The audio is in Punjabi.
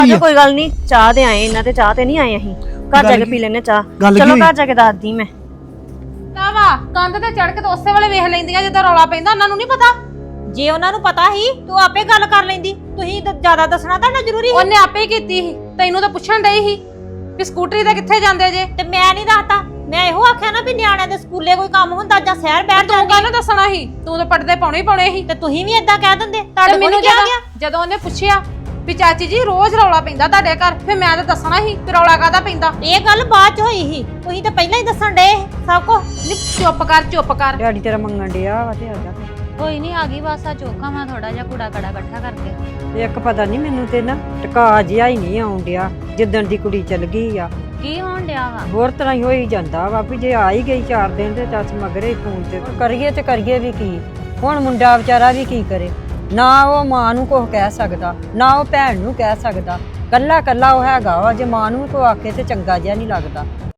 ਆਜੋ ਕੋਈ ਗੱਲ ਨਹੀਂ, ਚਾਹ ਤੇ ਆਏ ਇਹਨਾਂ ਤੇ ਚਾਹ ਤੇ ਨਹੀਂ ਆਏ ਅਸੀਂ। ਘਰ ਜਾ ਕੇ ਪੀ ਲੈਣੇ ਚਾਹ। ਚਲੋ ਘਰ ਜਾ ਕੇ ਦੱਸਦੀ ਮੈਂ। ਤਾਂ ਵਾ ਕੰਧ ਤੇ ਚੜ ਕੇ ਤਾਂ ਉਸੇ ਵੇਲੇ ਵੇਖ ਲੈਂਦੀਆਂ ਜਦੋਂ ਰੌਲਾ ਪੈਂਦਾ। ਉਹਨਾਂ ਨੂੰ ਨਹੀਂ ਪਤਾ। ਜੇ ਉਹਨਾਂ ਨੂੰ ਪਤਾ ਸੀ ਤੂੰ ਆਪੇ ਗੱਲ ਕਰ ਲੈਂਦੀ। ਤੁਸੀਂ ਜ਼ਿਆਦਾ ਦੱਸਣਾ ਤਾਂ ਨਾ ਜ਼ਰੂਰੀ। ਉਹਨੇ ਆਪੇ ਹੀ ਕੀਤੀ ਸੀ, ਤੈਨੂੰ ਤਾਂ ਪੁੱਛਣ ਡਈ ਸੀ ਵੀ ਸਕੂਟਰੀ ਤੇ ਕਿੱਥੇ ਜਾਂਦੇ ਜੇ। ਤੇ ਮੈਂ ਨਹੀਂ ਦੱਸਦਾ। ਮੈਂ ਇਹੋ ਆਖਿਆ ਨਾ ਵੀ ਨਿਆਣਿਆਂ ਦੇ ਸਕੂਲੇ ਕੋਈ ਕੰਮ ਹੁੰਦਾ ਜਾਂ ਸ਼ਹਿਰ ਬੈਠ ਤੂੰ ਕਾਹਨੂੰ ਦੱਸਣਾ ਸੀ? ਤੂੰ ਤਾਂ ਪੜਦੇ ਪਾਉਣੇ ਹੀ ਪਾਉਣੇ ਸੀ। ਤੇ ਤੁਸੀਂ ਵੀ ਏਦਾਂ ਕਹਿ ਦਿੰਦੇ। ਤੁਹਾਡੇ ਕੋਲ ਮੈਨੂੰ ਕੀ ਆ ਗਿਆ? ਜਦੋਂ ਉਹਨੇ ਪੁੱਛਿਆ ਵੀ ਚਾਚੀ ਜੀ ਰੋਜ਼ ਰੌਲਾ ਪੈਂਦਾ ਤੁਹਾਡੇ ਘਰ, ਫਿਰ ਮੈਂ ਤਾਂ ਦੱਸਣਾ ਸੀ ਕਿ ਰੌਲਾ ਕਾਹਦਾ ਪੈਂਦਾ। ਇਹ ਗੱਲ ਬਾਅਦ ਚ ਹੋਈ ਸੀ, ਤੁਸੀਂ ਤਾਂ ਪਹਿਲਾਂ ਹੀ ਦੱਸਣ ਡਏ ਸਭ ਕੁਝ। ਚੁੱਪ ਕਰ ਚੁੱਪ ਕਰ। ਡੈਡੀ ਤੇਰਾ ਮੰਗਣ ਡਿਆ ਵਾ ਤੇ ਆ ਜਾ। ਕੋਈ ਨਹੀਂ ਆ ਗਈ ਬਸ ਆ ਚੋਖਾ ਮੈਂ ਥੋੜਾ ਜਿਹਾ ਕੂੜਾ ਕੜਾ ਇਕੱਠਾ ਕਰਕੇ। ਇੱਕ ਪਤਾ ਨਹੀਂ ਮੈਨੂੰ ਤੇ ਨਾ ਟਕਾ ਜਿਹਾ ਹੀ ਨਹੀਂ ਆਉਣ ਡਿਆ ਜਿੱਦਣ ਦੀ ਕੁੜੀ ਚਲ ਗਈ ਆ। ਕੀ ਹੋਣ ਡਿਆ ਵਾ? ਹੋਰ ਤਰ੍ਹਾਂ ਹੀ ਹੋਈ ਜਾਂਦਾ ਵਾ ਵੀ ਜੇ ਆ ਹੀ ਗਈ 4 ਦਿਨ ਤੇ ਚੱਸ ਮਗਰੇ ਫੋਨ ਤੇ ਕਰੀਏ ਤੇ ਕਰੀਏ ਵੀ ਕੀ। ਹੁਣ ਮੁੰਡਾ ਵਿਚਾਰਾ ਵੀ ਕੀ ਕਰੇ। ਨਾ ਉਹ ਮਾਂ ਨੂੰ ਕੁਝ ਕਹਿ ਸਕਦਾ, ਨਾ ਉਹ ਭੈਣ ਨੂੰ ਕਹਿ ਸਕਦਾ। ਕੱਲਾ ਕੱਲਾ ਉਹ ਹੈਗਾ ਵਾ। ਜੇ ਮਾਂ ਨੂੰ ਕੋ ਆਖੇ ਤੇ ਚੰਗਾ ਜਿਹਾ ਨਹੀਂ ਲੱਗਦਾ।